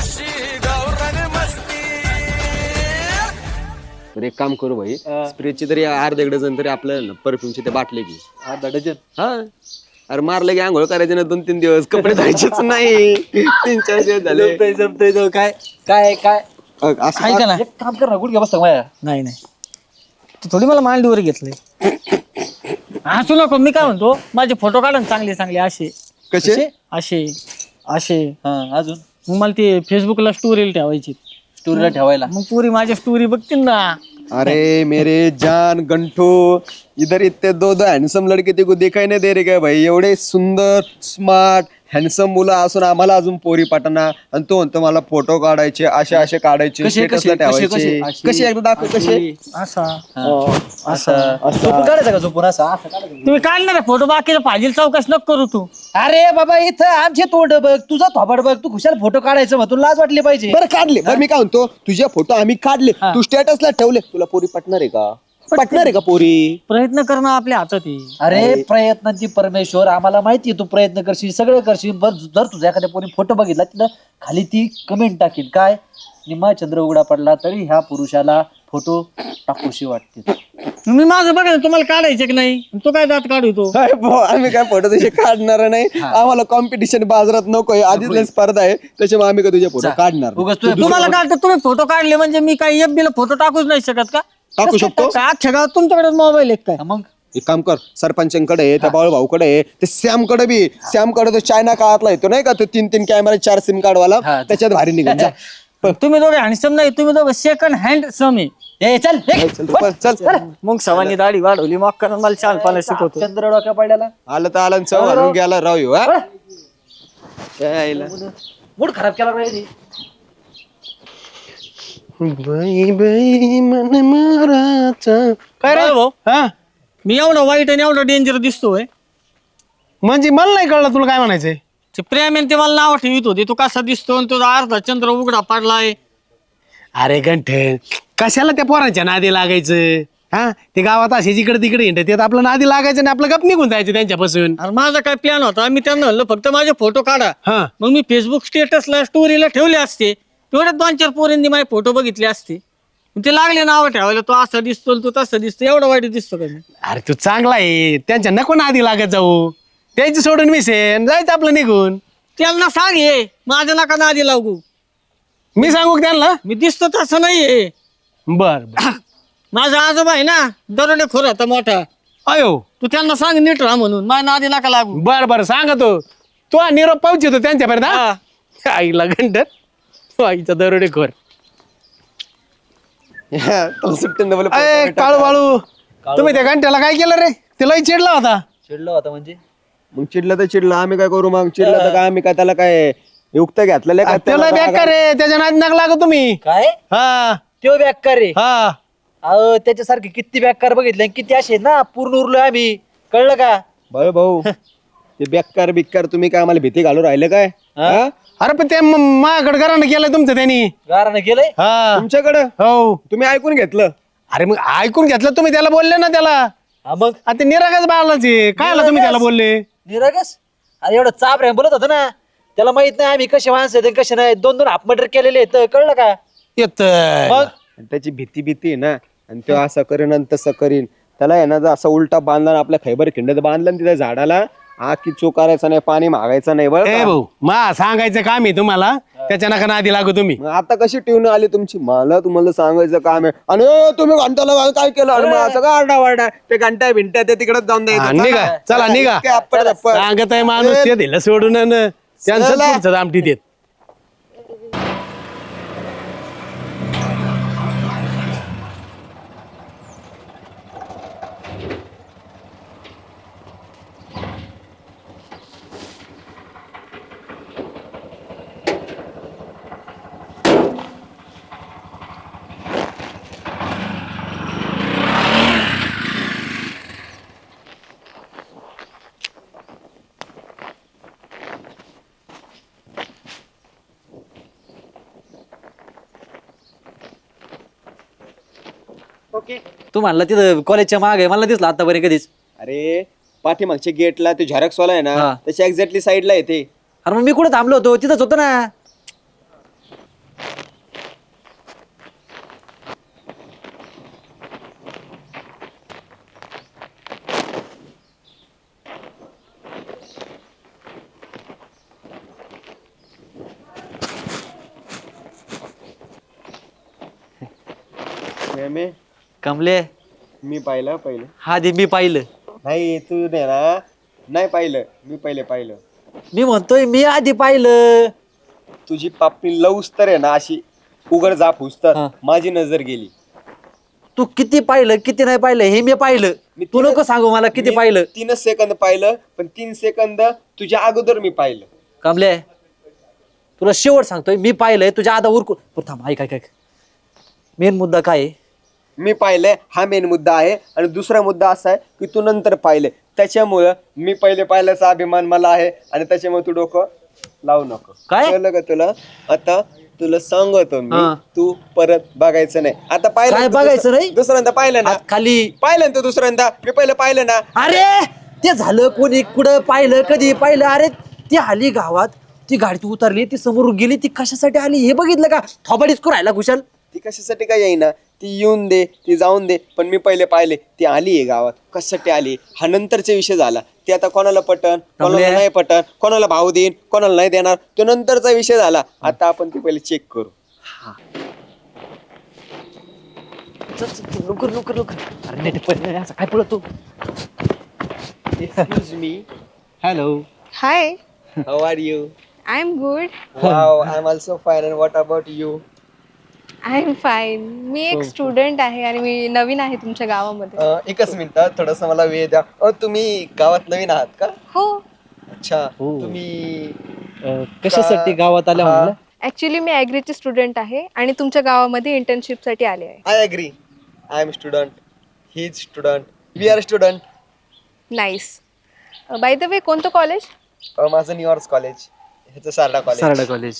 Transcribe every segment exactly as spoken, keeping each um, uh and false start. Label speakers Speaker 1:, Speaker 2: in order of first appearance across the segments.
Speaker 1: तर एक काम करू भाई, स्प्रेची तरी अर्धा डझन तरी आपल्याला परफ्यूमची ते बाटले की
Speaker 2: अर्धा डझन.
Speaker 1: हा. अरे मारलं की आंघोळ करायचे ना दोन तीन दिवस, कपडे धुवायचेच नाही. तीन चार दिवस झाले.
Speaker 2: जमतय जमतय तो काय काय काय
Speaker 1: असं
Speaker 3: ऐका ना.
Speaker 2: एक काम कर ना, गुडघ्या बसता माया.
Speaker 3: नाही नाही तू थोडी मला मांडीवर घेतलंय. हसू नको. मी काय म्हणतो, माझे फोटो काढा ना चांगले चांगले असे
Speaker 1: कसे
Speaker 3: असे असे.
Speaker 2: हा अजून
Speaker 3: मग मला ते फेसबुकला स्टोरीला ठेवायची.
Speaker 2: स्टोरीला ठेवायला.
Speaker 3: मग पुरी माझ्या स्टोरी बघतील ना.
Speaker 1: अरे मेरे जान गंठो, इधर इतने दो दो हॅन्डसम लड़के ते को दिखाई नाही दे रे काय भाई? एवढे सुंदर स्मार्ट हॅन्डसम मुलं असून आम्हाला अजून पोरी पाठना, आणि तो म्हणतो मला फोटो काढायचे, असे असे काढायचे,
Speaker 2: कसे कसे
Speaker 1: स्टेटसला
Speaker 2: कसे
Speaker 1: ठेवायचे.
Speaker 2: कसे
Speaker 1: कसे एकदा दाखव कसे.
Speaker 3: असा
Speaker 2: असं झोपून काढायचं का? झोपून असं असं काढायचं.
Speaker 3: तुम्ही काढणार आहे फोटो, बाकीचा फाजील चौकश नको करू तू.
Speaker 2: अरे बाबा इथं आमचे तोंड बघ, तुझा थोबाड बघ, तू खुशाल फोटो काढायचं मग तुला लाज वाटली पाहिजे.
Speaker 1: बरं काढले. बरं मी काय म्हणतो, तुझे फोटो आम्ही काढले, तू स्टेटसला ठेवले, तुला पोरी पटणार आहे का? पटणार आहे का पोरी?
Speaker 3: प्रयत्न करणं आपल्या हातात आहे.
Speaker 2: अरे प्रयत्नांची परमेश्वर, आम्हाला माहिती आहे तू प्रयत्न करशील, सगळं करशील. बरं जर तुझ्या एखाद्या पोरी फोटो बघितला, तिथं खाली ती कमेंट टाकील काय, निम्मा चंद्र उघडा पडला तरी ह्या पुरुषाला फोटो टाकूशी वाटते.
Speaker 3: मी माझं बघा ना, तुम्हाला काढायचे की नाही? तो काय दात काढतो.
Speaker 1: काय भाऊ, आम्ही काय फोटो तसे काढणार नाही. आम्हाला कॉम्पिटिशन बाजारात नको, आधीच लय स्पर्धा आहे, त्याच्यामुळे आम्ही का तुझे फोटो काढणार नाही.
Speaker 2: उगाच तुझ्या-
Speaker 3: तुम्हाला काढतो, तुम्ही फोटो काढले म्हणजे मी काही एफ ला फोटो टाकूच नाही शकत का?
Speaker 1: टाकू शकतो.
Speaker 3: काय अख्ख्या गावात तुमच्याकडे मोबाईल आहे काय?
Speaker 2: मग
Speaker 1: एक काम कर, सरपंचांकडे आहे, त्या बाळू भाऊकडे आहे, ते सॅमकडे बी, सॅमकडे तो चायना काळातला येतो नाही का, तो तीन तीन कॅमेरा चार सिम कार्ड वाला,
Speaker 2: हा.
Speaker 1: त्याच्यात भारी निघून जा.
Speaker 3: तुम्ही दोघे हँडसम नाही, तुम्ही दोघे सेकंड हँड सम आहे.
Speaker 2: ए चल निघ.
Speaker 1: चल रे, चल चल.
Speaker 3: मग सवानी दाढी वाढवली, मग करून मला छान पाला शिकवतो.
Speaker 2: चंद्र डोक्या पडल्याला
Speaker 1: आलं तर आलं, चव घालून गेला राव ह्यो, हा? यायला.
Speaker 2: मूड खराब केला पाहिजे.
Speaker 1: बाई बाई मन माराचा.
Speaker 3: काय रे भाऊ,
Speaker 4: हा
Speaker 3: मी एवढा वाईट आणि एवढा डेंजर दिसतोय?
Speaker 4: म्हणजे मला नाही कळलं तुला काय म्हणायचंय.
Speaker 3: ते प्रेम आहे ते मला नाव ठेवित होते. तू कसा दिसतो आणि तुझा अर्धा चंद्र उघडा पडलाय.
Speaker 4: अरे गंठन, कशाला त्या पोरांच्या नादी लागायचं? हा ते गावात असे जिकडे तिकडे हिंडत येत, आपलं नादी लागायचं आणि आपलं गप निघून जायचं त्यांच्यापासून.
Speaker 3: अरे माझा काय प्लॅन होता, मी त्यांना म्हणलं फक्त माझे फोटो काढा.
Speaker 4: हा
Speaker 3: मग मी फेसबुक स्टेटसला स्टोरीला ठेवले असते, तेवढ्या दोन चार पोरींनी माझे फोटो बघितले असते. ते लागले नाव ठेवायला, तो असं दिसतो तू तसं दिसतो. एवढा वाईट दिसतो का मी?
Speaker 4: अरे तू चांगला आहे, त्यांच्या नको नादी लागत जाऊ, त्याची सोडून मिसेन जायचं आपलं निघून.
Speaker 3: त्यांना सांग हे माझ्या नका नादी लागू.
Speaker 4: मी सांगू का त्यांना?
Speaker 3: मी दिसतो तसं नाहीये.
Speaker 4: बर बर.
Speaker 3: माझा आजोबा आहे ना, दरोडे खोर होता मोठा.
Speaker 4: अयो
Speaker 3: तू त्यांना सांग नीट राहा म्हणून, माझ्या नादी नका लागू.
Speaker 4: बर बर सांगतो. तो निरोप पावचतो त्यांच्यापर्यंत.
Speaker 3: हा.
Speaker 4: हा? आईला गंठन, तो आईचा दरोडे खोर.
Speaker 1: तुला सुट्टी नाही बोलत.
Speaker 4: अय काळू बाळू, तुम्ही त्या घंट्याला काय केलं रे? तिलाही चिडला होता.
Speaker 2: चिडलो होता म्हणजे
Speaker 1: मग चिडलं तर चिडलं, आम्ही काय करू? मग चिडलं तर काय, आम्ही काय त्याला काय युक्त घेतलेलं आहे का?
Speaker 4: त्याला बेकार रे, त्याच्या नादी नका लागू तुम्ही.
Speaker 2: काय
Speaker 4: हा
Speaker 2: तो बॅकर रे.
Speaker 4: हा
Speaker 2: अहो त्याच्यासारखे किती बॅकर बघितले, किती असे ना, पूर्ण उरलोय आम्ही, कळलं का?
Speaker 1: भाऊ भाऊ ते बेकार बिक्कार तुम्ही काय आम्हाला भीती घालू राहिले काय? हा?
Speaker 4: अरे पण ते माझ्याकडे घरानं केलं तुमचं त्यांनी.
Speaker 2: गारानं केलंय.
Speaker 4: हा
Speaker 1: तुमच्याकडं
Speaker 4: हो.
Speaker 1: तुम्ही ऐकून घेतलं?
Speaker 4: अरे मग ऐकून घेतलं तुम्ही, त्याला बोलले ना त्याला.
Speaker 2: हा मग
Speaker 4: आता ते निरागच बाळाचे काय आला तुम्ही त्याला बोलले.
Speaker 2: निरागस. अरे एवढं चाप रे बोलत होतं ना, त्याला माहित नाही आम्ही कसे माणसं आहेत कसे नाही. दोन दोन हाफ मर्डर केलेले आहेत, कळलं का?
Speaker 4: येत
Speaker 2: मग
Speaker 1: आणि त्याची भीती भीती आहे ना, आणि तो असं करीन आणि तसं करीन. त्याला आहे ना जर असं उलटा बांधला ना, आपल्या खैबर खिंडत बांधला ना तिथे झाडाला, आ की चो करायचा नाही, पाणी मागायचं नाही. बरं
Speaker 4: ए
Speaker 1: का?
Speaker 4: भाऊ मा सांगायचं काम आहे तुम्हाला, त्याच्या नका नादी लागू तुम्ही.
Speaker 1: मग आता कशी ट्यून आली तुमची? मला तुम्हाला सांगायचं काम आहे, आणि ए, तुम्ही घंटाला काय केलं? आणि मग असं का आरडा वारडा? ते घंटा भिंट्या ते तिकडे जाऊन
Speaker 4: हा,
Speaker 1: द्यायचं.
Speaker 4: निघा चला निघा.
Speaker 1: इतके अप्पर दप्पर.
Speaker 4: सांगत आहे माणूस ते दिलं सोडून अन त्यांचं
Speaker 1: चला.
Speaker 4: पुढचं दामटी देत.
Speaker 2: तू म्हणला तिथं कॉलेजच्या माग आहे, मला दिसला आतापर्यंत कधीच.
Speaker 1: अरे पाठीमागच्या गेटला ते झेरॉक्स वाला आहे ना,
Speaker 2: हा.
Speaker 1: त्याच्या एक्झॅक्टली साईडला येते.
Speaker 2: अरे मग मी कुठं थांबलो होतो, तिथंच होतो ना.
Speaker 1: प्रेमे
Speaker 2: कमले
Speaker 1: मी पाहिलं पहिलं
Speaker 2: हा दे मी पाहिलं.
Speaker 1: नाही तू नाही ना नाही पाहिलं मी पहिले पाहिलं.
Speaker 2: मी म्हणतोय मी आधी पाहिलं.
Speaker 1: तुझी पापणी लवस तर आहे ना अशी उघड जाप हुसतात
Speaker 2: हा.
Speaker 1: माझी नजर गेली.
Speaker 2: तू किती पाहिलं किती नाही पाहिलं हे मी पाहिलं.
Speaker 1: मी
Speaker 2: तू
Speaker 1: तीन-
Speaker 2: नको सांगू मला किती
Speaker 1: मी
Speaker 2: पाहिलं.
Speaker 1: तीनच सेकंद पाहिलं पण तीन सेकंद तुझ्या अगोदर मी पाहिलं.
Speaker 2: कमले तुला शेवट सांगतोय मी पाहिलंय तुझ्या आता उरकून बरं थांब ऐक ऐक ऐक मेन मुद्दा काय आहे?
Speaker 1: मी पाहिलंय हा मेन मुद्दा आहे आणि दुसरा मुद्दा असा आहे की तू नंतर पाहिले त्याच्यामुळं मी पहिले पाहिल्याचा अभिमान मला आहे आणि त्याच्यामुळे तू डोकं लावू नको.
Speaker 2: काय?
Speaker 1: कळलं का तुला? आता तुला सांगतो मी
Speaker 2: हा.
Speaker 1: तू परत बघायचं नाही. आता पाहिलं
Speaker 2: काय
Speaker 1: ना तू
Speaker 2: बघायचं
Speaker 1: दुसरं-
Speaker 2: नाही?
Speaker 1: दुसऱ्यांदा पाहिलं ना
Speaker 2: हात खाली.
Speaker 1: पाहिलं ना तू दुसऱ्यांदा मी पहिलं पाहिलं ना.
Speaker 2: अरे ते झालं कोणी कुठं पाहिलं कधी पाहिलं. अरे ती आली गावात ती गाडी उतरली ती समोरून गेली ती कशासाठी आली हे बघितलं का? थोबाडीच करू राहिला कुशाल.
Speaker 1: ती कशासाठी काय येईना ती येऊन दे ती जाऊन दे पण मी पहिले पाहिले ती आली आहे गावात कशासाठी आली हा नंतरचा विषय झाला. ते आता कोणाला पटन कोणाला
Speaker 2: कमले.
Speaker 1: नाही पटन कोणाला भाव देईन कोणाला नाही देणार तो नंतरचा विषय झाला. आता आपण ती पहिले चेक करू.
Speaker 2: चल, चल, चल, लवकर लवकर लवकर. अरे नेट पण असं काय पळत तू.
Speaker 1: Excuse me
Speaker 4: hello.
Speaker 5: Hi,
Speaker 1: how are you?
Speaker 5: I'm good.
Speaker 1: Wow I am also fine and what about you?
Speaker 5: I'm fine. मी एक स्टुडंट आहे आणि मी नवीन आहे तुमच्या गावामध्ये.
Speaker 1: एकच मिनिट थोडस मला वेळ द्या. अ, तुम्ही गावात नवीन आहात का?
Speaker 5: हो,
Speaker 1: अच्छा
Speaker 2: हो.
Speaker 1: तुम्ही
Speaker 2: अं, कशासाठी गावात आल्या
Speaker 1: हा.
Speaker 2: म्हणलं?
Speaker 5: ॲक्च्युली मी ॲग्रीची स्टुडंट आहे आणि तुमच्या गावामध्ये इंटर्नशिपसाठी आले आहे.
Speaker 1: I agree I am student he is student we are student.
Speaker 5: Nice. By the way कोणतं कॉलेज?
Speaker 1: माझं न्यूयॉर्क कॉलेज ह्याचं सारडा कॉलेज.
Speaker 2: सारडा कॉलेज.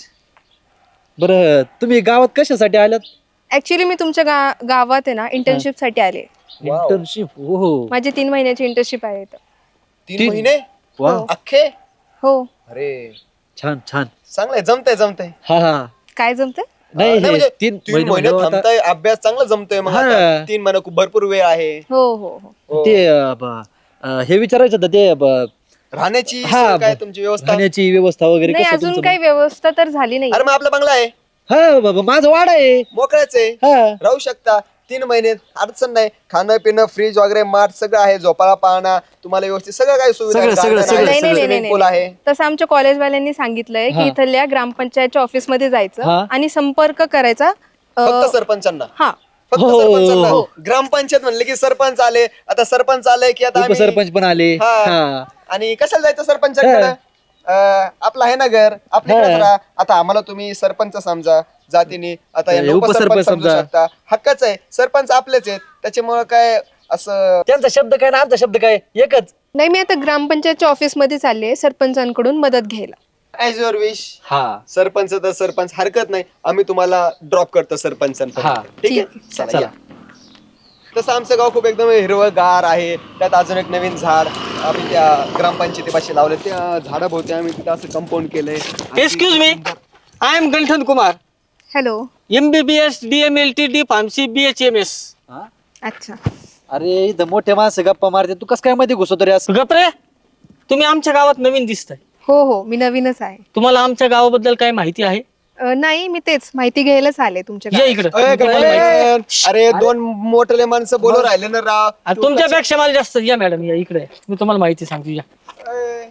Speaker 2: बरं तुम्ही गावात कशासाठी आल्यात?
Speaker 5: ॲक्च्युली मी तुमच्या गा गावात आहे ना इंटर्नशिपसाठी आले.
Speaker 1: Wow.
Speaker 2: इंटर्नशिप. हो हो.
Speaker 5: माझी तीन महिन्याची इंटर्नशिप आहे इथं.
Speaker 1: तीन
Speaker 2: तीन-
Speaker 1: महिने
Speaker 2: वा
Speaker 1: अख्खे?
Speaker 5: हो.
Speaker 1: अरे
Speaker 2: छान छान.
Speaker 1: चांगलंय जमतंय जमतंय.
Speaker 2: हा हा.
Speaker 5: काय जमतं?
Speaker 2: नाही
Speaker 1: नाही,
Speaker 2: हे
Speaker 1: म्हणजे
Speaker 2: तीन
Speaker 1: तीन
Speaker 2: महिने
Speaker 1: महिने
Speaker 2: म्हणजे आता
Speaker 1: थांबताय अभ्यास चांगला जमतोय मग
Speaker 2: हा.
Speaker 1: आता. तीन महिने खूप भरपूर वेळ आहे.
Speaker 5: हो हो हो.
Speaker 1: हो.
Speaker 2: ते अं, ब- अं, हे विचारायचं होतं ते ब-
Speaker 1: राहण्याची
Speaker 2: हा,
Speaker 1: सोय काय तुमची व्यवस्था?
Speaker 2: राहण्याची व्यवस्था वगैरे
Speaker 5: नाही
Speaker 2: कसं
Speaker 5: अजून
Speaker 2: तुमचं?
Speaker 5: काही व्यवस्था तर झाली नाही.
Speaker 1: अरे मग आपला बंगला आहे
Speaker 2: हा बाबा माझं वाडा आहे.
Speaker 1: मोकळाच आहे
Speaker 2: हा
Speaker 1: राहू शकता. तीन महिने अडचण नाही. खाणं पिणं फ्रीज वगैरे मार्ट सगळं आहे. झोपाळा पाहणं तुम्हाला व्यवस्थित सगळं काही सुविधा
Speaker 2: सगळं,
Speaker 1: आहे.
Speaker 2: सगळं,
Speaker 1: garden
Speaker 2: सगळं,
Speaker 1: आहे,
Speaker 5: नाही नाही नाही
Speaker 1: swimming pool
Speaker 5: नाही
Speaker 1: आहे.
Speaker 5: नाही. तसं आमच्या कॉलेजवाल्यांनी सांगितलंय
Speaker 2: हा.
Speaker 5: की इथल्या ग्रामपंचायतच्या ऑफिस मध्ये जायचं
Speaker 2: हा.
Speaker 5: आणि संपर्क करायचा. अं,
Speaker 1: फक्त सरपंचांना
Speaker 5: हा
Speaker 1: फक्त
Speaker 2: हो,
Speaker 1: सरपंचांना.
Speaker 2: हो.
Speaker 1: ग्रामपंचायत म्हणले की सरपंच आले. आता सरपंच आले की आता आम्ही-
Speaker 2: उपसरपंच पण आले.
Speaker 1: हा.
Speaker 2: हा
Speaker 1: आणि कशाला जायचं सरपंचाकडे? आपलं आहे ना घर आपल्याकडेच
Speaker 2: हा.
Speaker 1: राहा. आता आम्हाला तुम्ही सरपंच समजा जातीने आता यांना
Speaker 2: हे उपसरपंच
Speaker 1: उपसरपंच समजू
Speaker 2: समजा.
Speaker 1: शकता. हक्काच आहे. सरपंच आपलेच आहेत त्याच्यामुळे काय असं
Speaker 2: त्यांचा शब्द काय ना आमचा शब्द काय एकच.
Speaker 5: नाही मी आता ग्रामपंचायतच्या ऑफिस मध्ये चालले सरपंचांकडून मदत घ्यायला.
Speaker 1: As your wish.
Speaker 2: हा
Speaker 1: सरपंच तर सरपंच हरकत नाही. आम्ही तुम्हाला ड्रॉप करतो
Speaker 2: हा.
Speaker 1: सरपंचांपर्यंत. ठीक आहे चला
Speaker 2: चला.
Speaker 1: या. तसं आमचं गाव खूप एकदम हिरवंगार आहे. त्यात अजून एक नवीन झाड आम्ही त्या ग्रामपंचायतीपाशी लावले. त्या झाडाभोवती आम्ही तिथं असं कंपाऊंड केलंय.
Speaker 3: Excuse me I am Ganthan Kumar
Speaker 5: hello.
Speaker 3: M B B S D M L T D pharmacy B H M S.
Speaker 2: हा?
Speaker 5: अच्छा.
Speaker 2: अरे इथं मोठे माणसं गप्पा मारते तू कस काय मध्ये घुसतो रे असं?
Speaker 3: गपरे तुम्ही आमच्या गावात नवीन दिसताय.
Speaker 5: हो हो मी नवीनच आहे.
Speaker 3: तुम्हाला आमच्या गावाबद्दल काय माहिती आहे?
Speaker 5: अं, नाही मी तेच माहिती घ्यायलाच आले तुमच्या
Speaker 3: या
Speaker 5: गावात.
Speaker 3: इकडे
Speaker 1: अय, गणपत, अरे दोन मोठे माणसं बोलू राहिले ना राव.
Speaker 3: तुमच्यापेक्षा मला जास्त या मॅडम या इकडे मी तुम्हाला माहिती सांगतो या.
Speaker 1: अय.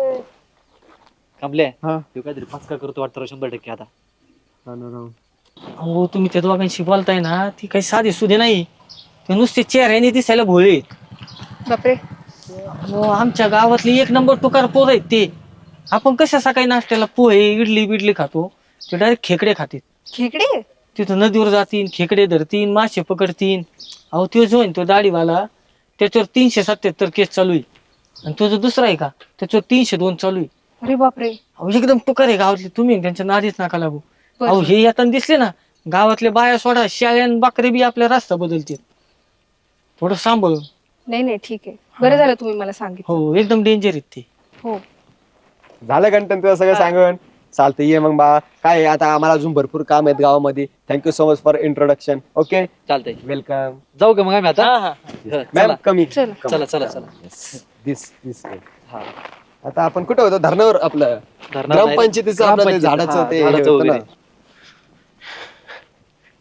Speaker 2: कमले
Speaker 1: हा.
Speaker 2: तू काहीतरी पचका करतो वाटतं रे शंभर टक्के आता.
Speaker 3: अहो तुम्ही त्या दोघांशी बोलताय ना ती काही साधी सुधे नाही. ते नुसते चेहऱ्याने दिसायला भोळे आहेत.
Speaker 5: बापरे.
Speaker 3: अहो, आमच्या गावातली एक नंबर टुकार पोर आहेत ते. आपण कशा सकाळी नाश्त्याला पोहे इडली बिडली खातो ते डायरेक्ट खेकडे खातील.
Speaker 5: खेकडे.
Speaker 3: तिथं नदीवर जातीन खेकडे धरतीन मासे पकडतीन. अहो तो जो आहे तो दाढीवाला त्याच्यावर तीनशे सत्याहत्तर केस चालू आहे आणि तो जो दुसरा आहे का त्याच्यावर तीनशे दोन चालू आहे.
Speaker 5: अरे बापरे.
Speaker 3: अहो एकदम टुकार आहे गावातले. तुम्ही त्यांच्या नादीच नका लागू.
Speaker 5: बरं.
Speaker 3: अहो हे येताना दिसले ना गावातले बाया सोडा शाळ्यान बाकरे बी आपला रस्ता बदलतील. थोडं सांभाळून.
Speaker 5: नाही नाही ठीक आहे बरं झालं तुम्ही मला सांगितलं.
Speaker 3: हो एकदम डेंजर आहेत ते.
Speaker 5: हो.
Speaker 1: झालं कंटन तुझं सगळं सांगून. चालतं ये मग बा. काय आहे, आता आम्हाला अजून भरपूर काम आहेत गावामध्ये. Thank you so much for introduction. Okay
Speaker 2: चालतंय
Speaker 1: वेलकम.
Speaker 2: जाऊ का मग आम्ही आता?
Speaker 3: हा, हा.
Speaker 2: हा,
Speaker 1: मॅम
Speaker 2: चला
Speaker 1: कमी
Speaker 5: चला.
Speaker 2: चला चला चला.
Speaker 1: दिस दिस
Speaker 2: हा.
Speaker 1: आता आपण कुठे होतो धरणावर आपलं
Speaker 2: धरणावर
Speaker 1: ग्रामपंचायतीचं आपलं ते
Speaker 2: ग्रामपंचायत,
Speaker 1: झाडाचं
Speaker 2: हा,
Speaker 1: ते हे
Speaker 2: झाडाचं
Speaker 1: होतं ना.
Speaker 2: वगैरे.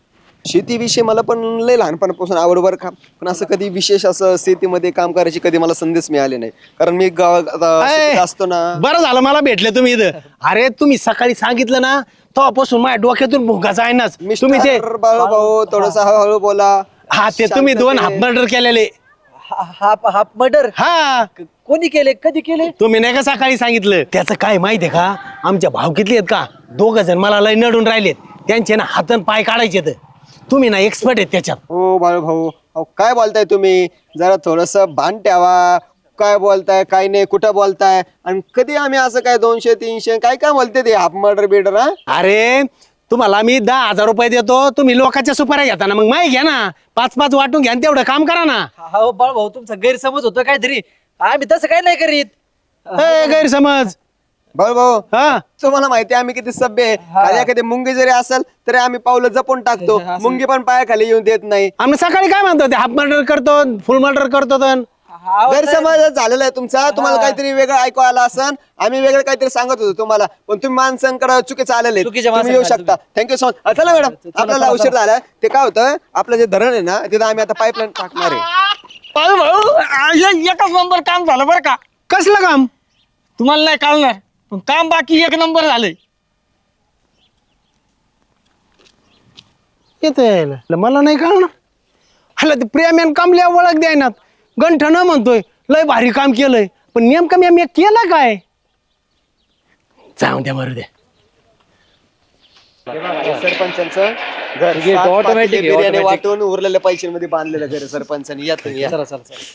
Speaker 1: शेतीविषयी मला पण लय लहानपणापासून आवड बरं का, पण असं कधी विशेष असं शेतीमध्ये काम करायची कधी मला संदेश मिळाले नाही. कारण मी गावात आता शेतीत असतो ना.
Speaker 4: बरं झालं मला भेटले तुम्ही इथं. अरे तुम्ही सकाळी सांगितलं ना तेव्हापासून माझ्या डोक्यातून भुंकाचा आहे ना तुम्ही ते.
Speaker 1: मिस्टर बाळू भाऊ थोडस हळूहळू बोला.
Speaker 4: हा ते तुम्ही दोन हाफ
Speaker 1: शांततेत.
Speaker 4: मर्डर केलेले.
Speaker 2: हाफ हाफ मर्डर
Speaker 4: हा
Speaker 2: कोणी केले, कधी केले?
Speaker 4: तुम्ही नाही का सकाळी सांगितलं. त्याचं काय माहितीये का, आमच्या भावकीतले आहेत का दोघ जण मला लय नडून राहिलेत. त्यांचे ना हातन पाय काढायचे तर तुम्ही ना एक्सपर्ट आहेत त्याच्यात.
Speaker 1: हो बाळू भाऊ, अहो काय बोलताय तुम्ही, जरा थोडस भान ठेवा. काय बोलताय काय नाही, कुठं बोलताय, आणि कधी आम्ही असं काय दोनशे तीनशे काय काय बोलते ते हाफ मर्डर बिडर. हा
Speaker 4: अरे तुम्हाला मी दहा हजार रुपये देतो, तुम्ही लोकांच्या सुपाऱ्या घेता ना, मग माही घ्या ना, पाच पाच वाटून घ्या आणि तेवढं काम करा ना.
Speaker 2: हो बाळ भाऊ, तुमचा गैरसमज होतो काहीतरी. आम्ही तसं काही नाही करीत.
Speaker 4: ए, गैरसमज.
Speaker 1: बाळू भाऊ,
Speaker 4: हा
Speaker 1: तुम्हाला माहिती आहे आम्ही किती सभ्य आहे. खाली एखादी मुंगी जरी असेल तरी आम्ही पावलं जपून टाकतो. मुंगी पण पायाखाली येऊन देत नाही.
Speaker 4: आम्ही सकाळी काय म्हणतो ते हाफ मर्डर करतो, फुल मर्डर करतो तर.
Speaker 1: गैरसमज झालेला आहे तुमचा. तुम्हाला काहीतरी वेगळं ऐकू आलं असन, आम्ही वेगळं काहीतरी सांगत होतो तुम्हाला, पण तुम्ही माणसांकडे चुकीचं आलेले आहेत.
Speaker 2: चुकीच्या
Speaker 1: तुम्ही येऊ
Speaker 2: माणसांकडे
Speaker 1: शकता. Thank you so much. चला मॅडम, आपल्याला उशीर झाला. ते काय होतं, आपलं जे धरण आहे ना तिथं आम्ही आता पाईपलाईन टाकणार आहे.
Speaker 3: भाऊ भाऊ एक- एकच नंबर काम झालं बरं का.
Speaker 4: कसलं काम?
Speaker 3: तुम्हाला नाही कळणार पण काम बाकी एक नंबर झालंय.
Speaker 4: येते मला नाही कळणार. हला ते प्रेम कामल्या ओळख द्यायनात. गंठन म्हणतोय लय भारी काम केलंय, पण नेमकं मी मी केलं काय? जाऊ द्या मारू द्या.
Speaker 1: सरपंचांचं घर
Speaker 2: ठीक आहे,
Speaker 1: सात
Speaker 2: automatic
Speaker 1: पातेले
Speaker 2: आहे,
Speaker 1: बिर्याणी
Speaker 2: automatic.
Speaker 1: वाटून उरलेल्या पैशांमध्ये बांधलेलं घर आहे सरपंचांनी. या तुम्ही या.
Speaker 2: चला चला चला.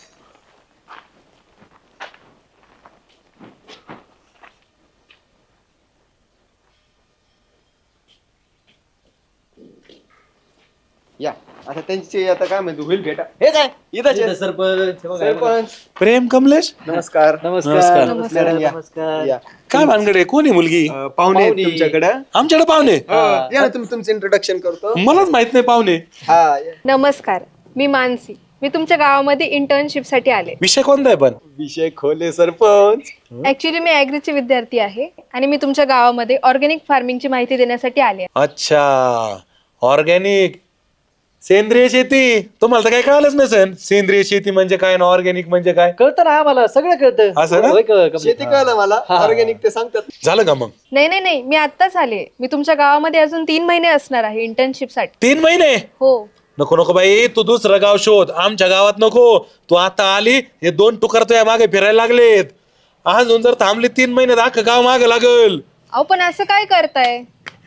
Speaker 1: या आता त्यांची आता काय म्हणतो होईल भेटा. हे काय इथंच आहे.
Speaker 2: सरपंच हे बघा, हे बघा.
Speaker 1: सरपंच
Speaker 6: प्रेम कमलेश
Speaker 1: नमस्कार.
Speaker 2: नमस्कार
Speaker 1: मॅडम या.
Speaker 2: नमस्कार.
Speaker 1: या.
Speaker 6: काय भानगड आहे? कोण आहे मुलगी?
Speaker 1: अं, पाहुणे आहेत तुमच्याकडे.
Speaker 6: आमच्याकडे पाहुणे.
Speaker 1: या ना, तुम्ही तुमचं इंट्रोडक्शन करतो.
Speaker 6: मलाच माहित नाही पाहुणे.
Speaker 1: हा या.
Speaker 5: नमस्कार, मी मानसी. मी तुमच्या गावामध्ये इंटर्नशिपसाठी आले.
Speaker 6: विषय कोणता आहे पण?
Speaker 1: विषय खोले सरपंच.
Speaker 5: ऍक्च्युली मी ॲग्रीची विद्यार्थी आहे आणि मी तुमच्या गावामध्ये ऑर्गॅनिक फार्मिंगची माहिती देण्यासाठी आले आहे.
Speaker 6: अच्छा, ऑर्गॅनिक सेंद्रिय शेती. तुम्हाला तर काही कळालंच नसेल सेंद्रिय शेती म्हणजे काय ना ऑर्गॅनिक म्हणजे काय.
Speaker 2: कळतं ना आम्हाला, सगळं कळतं.
Speaker 6: असं ना?
Speaker 2: होय का, कमलेश?
Speaker 1: शेती कळलं मला, ऑर्गॅनिक ते सांगतात.
Speaker 6: झालं का मग?
Speaker 5: नाही नाही नाही, मी आत्ताच आले. मी तुमच्या गावामध्ये अजून तीन महिने असणार आहे इंटर्नशिपसाठी.
Speaker 6: तीन महिने?
Speaker 5: हो.
Speaker 6: नको नको बाई, तू दुसरं गाव शोध, आमच्या गावात नको. तू आता आली, हे दोन टुकार तुझ्या मागे फिरायला लागलेत. अजून जर थांबली तीन महिन्यात अख्खं गाव मागे लागल.
Speaker 5: अहो पण असं काय करताय?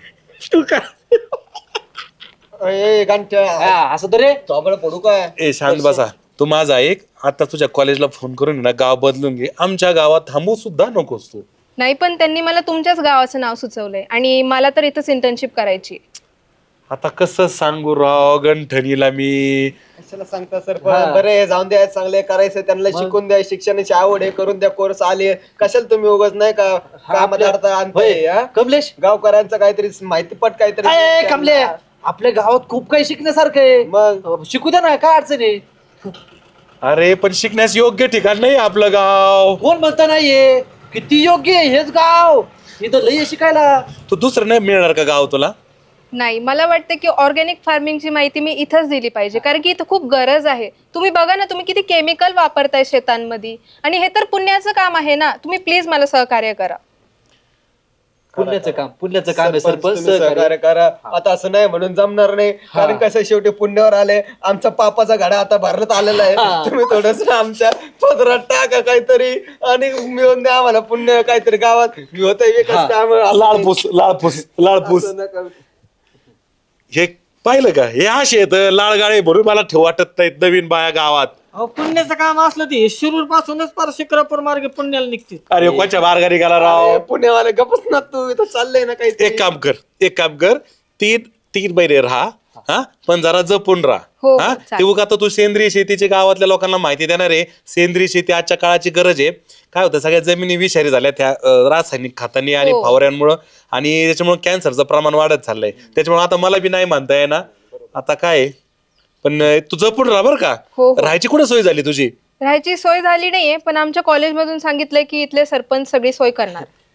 Speaker 1: ए, गांठ्या.
Speaker 2: हा, असं तर रे.
Speaker 1: थोबाड पडू काय?
Speaker 6: ए शांत बसा. तू माझा ऐक, आता तुझ्या कॉलेजला फोन करून ना गाव बदलून घे. आमच्या गावात थांबू सुद्धा नकोस तू.
Speaker 5: नाही, पण त्यांनी मला तुमच्याच गावाचं नाव सुचवलंय आणि मला तर इथंच इंटर्नशिप करायची.
Speaker 6: आता कसं सांगू राव गंठनीला मी.
Speaker 1: कशाला सांगता सरपंच? बरे जाऊन द्या, चांगले करायचं, त्यांना शिकून द्या, शिक्षणाची आवड आहे, करून द्या, कोर्स आले. कशाला तुम्ही उगाच नाही का कामात अडथळा आणताय,
Speaker 2: होय,
Speaker 1: हा?
Speaker 2: कमलेश.
Speaker 1: गावकऱ्यांचं काहीतरी माहितीपट काहीतरी.
Speaker 2: ए, कमले, आपल्या गावात खूप काही शिकण्यासारखं आहे.
Speaker 1: मग
Speaker 2: शिकू द्या ना, काय अडचण आहे?
Speaker 6: अरे पण शिकण्यास योग्य ठिकाण नाही आपलं गाव.
Speaker 2: कोण म्हणता नाहीये? किती योग्य आहे हेच गाव. इथं लय आहे शिकायला.
Speaker 6: तू दुसरं नाही मिळणार का गाव तुला?
Speaker 5: नाही, मला वाटतं की ऑर्गॅनिक फार्मिंगची माहिती मी इथंच दिली पाहिजे, कारण की इथं खूप गरज आहे. तुम्ही बघा ना, तुम्ही किती केमिकल वापरताय शेतांमध्ये, आणि हे तर पुण्याचं काम आहे ना. तुम्ही प्लीज मला सहकार्य करा.
Speaker 2: पुण्याचं काम, पुण्याचं काम आहे
Speaker 1: सरपंच,
Speaker 2: सरपंच.
Speaker 1: तुम्ही सहकार्य करा. आता असं नाही म्हणून जमणार नाही, कारण कसं शेवटी पुण्यावर आले, आमचा पापाचा घडा आता भरत आलेला आहे. तुम्ही थोडस आमच्या पदरात टाका काहीतरी आणि मिळून द्या आम्हाला पुण्य काहीतरी गावात. मी होतंय विकास काम.
Speaker 6: लाळपूस लाळपूस लाळपूस हे पाहिलं का? हे असे येत लाळगाळे भरून मला ठेव वाटत नाहीत नवीन बाया गावात.
Speaker 3: अहो पुण्याचं काम असलं ते शिरूर पासूनच पार शिक्रापूर मार्गे पुण्याला निघते.
Speaker 6: अरे कोणच्या मार्गाने गेला राव?
Speaker 1: पुण्यावाले गपच ना, तू इथं चाललंय ना काही.
Speaker 6: एक काम कर, एक काम कर, तीन तीन महिने राहा, हा, पण जरा जपून
Speaker 5: हो,
Speaker 6: राहा.
Speaker 5: हो,
Speaker 6: हा,
Speaker 5: चालेल.
Speaker 6: ते उगा आता तू सेंद्रिय शेतीची गावातल्या लोकांना माहिती देणार आहे. सेंद्रिय शेती आजच्या काळाची गरज आहे. काय होतं, सगळ्या जमिनी विषारी झाल्या त्या अं, रासायनिक खतांनी आणि
Speaker 5: हो.
Speaker 6: फवाऱ्यांमुळं, आणि त्याच्यामुळे कॅन्सरचं प्रमाण वाढत चाललंय. त्याच्यामुळे आता मला बी नाही म्हणता येणार. आता काय आहे, पण अं, तू जपून राहा बरं का.
Speaker 5: हो, हो.
Speaker 6: राहायची कुठे सोय झाली तुझी?
Speaker 5: राहायची सोय झाली नाहीये, पण आमच्या कॉलेजमधून सांगितलंय की इथले सरपंच सगळी सोय करणार.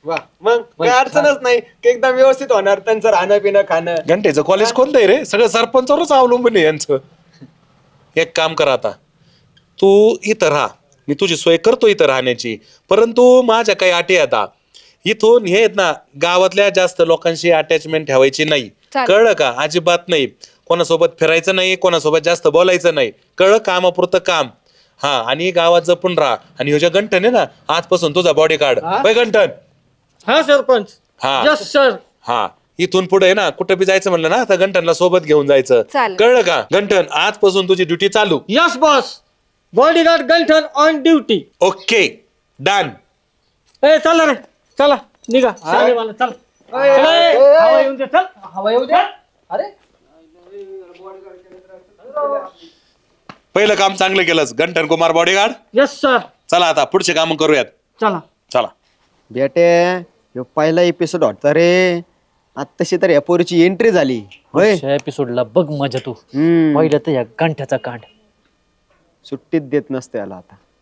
Speaker 1: वा मग काही अडचणच नाही की एकदम व्यवस्थित होणार त्यांचं राहणं पिणं खाणं.
Speaker 6: घंटेचं कॉलेज कोणतं आहे रे? सगळं सरपंचावरच अवलंबून आहे यांचं. एक काम कर आता, तू इथं राहा, मी तुझी सोय करतो इथं राहण्याची, परंतु माझ्या काही अटी आता. इथून हे आहेत ना, गावातल्या जास्त लोकांशी अटॅचमेंट ठेवायची नाही.
Speaker 5: चालेल.
Speaker 6: कळलं का? अजिबात नाही. कोणासोबत फिरायचं नाही, कोणासोबत जास्त बोलायचं नाही. कळलं? कामापुरतं काम. हा, आणि गावात जपून राहा. आणि ह्यो ज्या गंठन आहे ना, आजपासून तुझा बॉडी कार्ड गंठन.
Speaker 3: हा सरपंच.
Speaker 6: हा.
Speaker 3: Yes sir.
Speaker 6: हा, इथून पुढे ना कुठं बी जायचं म्हणलं ना, तर गंठनला सोबत घेऊन जायचं.
Speaker 5: चालेल.
Speaker 6: कळलं का? गंठन, आजपासून तुझी ड्युटी चालू.
Speaker 3: Yes boss. Bodyguard Ganthan on duty.
Speaker 6: Okay, done.
Speaker 3: ए चला रे, चला निघा. शाळेवाला चल. चला, ए, हवा येऊन दे, चल.
Speaker 2: हवा येऊ द्या. अरे
Speaker 6: पहिलं काम चांगलं केलंस Ganthan Kumar bodyguard.
Speaker 3: Yes sir.
Speaker 6: चला आता पुढचे काम करूयात.
Speaker 3: चला.
Speaker 6: चला.
Speaker 1: बेटे ह्यो पहिला एपिसोड होता रे, आत्ताशी तर या पोरीची एंट्री झाली होय.
Speaker 2: एपिसोडला बघ मजा तू.
Speaker 1: हम्म
Speaker 2: पहिलं तर या गांठ्याचा कांड.
Speaker 1: सुट्टीत देत नसते याला आता.